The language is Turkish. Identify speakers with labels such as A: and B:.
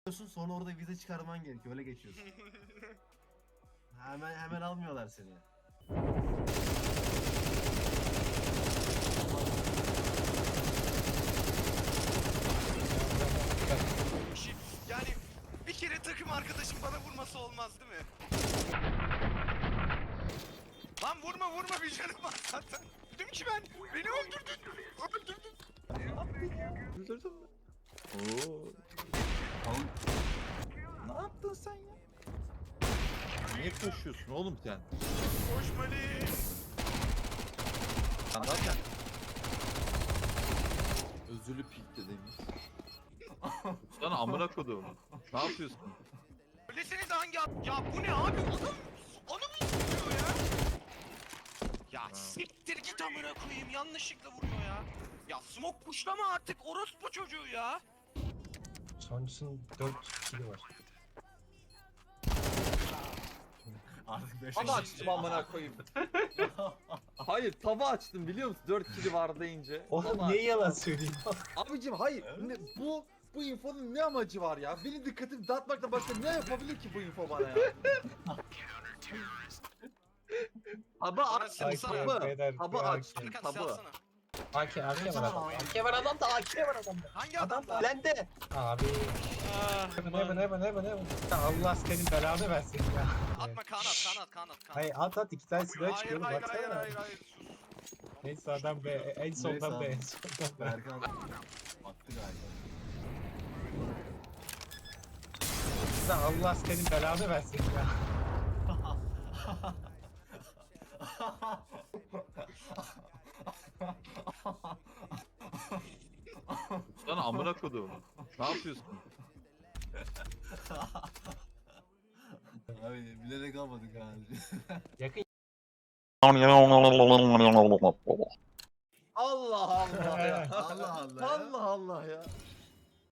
A: Sonra orada vize çıkarman gerekiyor. Öyle geçiyorsun. Hemen almıyorlar seni.
B: Yani bir kere takım arkadaşım bana vurması olmaz değil mi? Lan vurma bir canım var zaten. Dedim ki ben beni öldürdün.
C: Öldürdün mü? Oo.
A: Oğlum,
C: Ne yaptın sen ya? Niye koşuyorsun oğlum sen?
B: Koşmalıyım.
C: Sen zaten özürlü pik de demiş. Sana amına kodum. Ne yapıyorsun?
B: Öyleseniz hangi Ya bu ne abi? Adamı istiyor ya. Ya siktir git amına koyayım. Yanlışlıkla vuruyor ya. Ya smoke pushlama artık orospu çocuğu ya.
D: Sonuncusunun 4 kili var.
A: artık 5
C: Tava açtım amına koyayım. Hayır tava açtım biliyor musun? 4 kili var deyince.
D: Oğlum
C: Tava
D: niye yalan
C: açtım.
D: söyleyeyim?
C: Abicim hayır. Bu infonun ne amacı var ya? Benim dikkatimi dağıtmakla başka ne yapabilir ki bu info bana ya? Aba açtım
B: Ay,
C: tabı.
D: beyler,
C: Tabı
D: ya,
C: açtım
B: Hakan
C: tabı.
B: silahsana.
D: AK var adam. AK var adamda, AK var adamda.
B: Hangi
D: Adam
B: adam?
D: bende. Abi. Hemen. Allah senin belanı versin ya.
B: Atma kanat.
D: Hayır at 2 tane silah
B: Hayır
D: çıkıyorum
B: hayır
D: baksana.
B: hayır sus.
D: Neyse adam be en soldan be
A: abi.
D: en soldan be.
A: Berkan attı galiba.
D: Allah senin belanı versin ya.
C: Sana amına kodum. Ne yapıyorsun?
A: Abi bilerek almadık abi.
D: Yakın.
C: Allah Allah ya.
A: Allah Allah ya.
C: Allah Allah ya.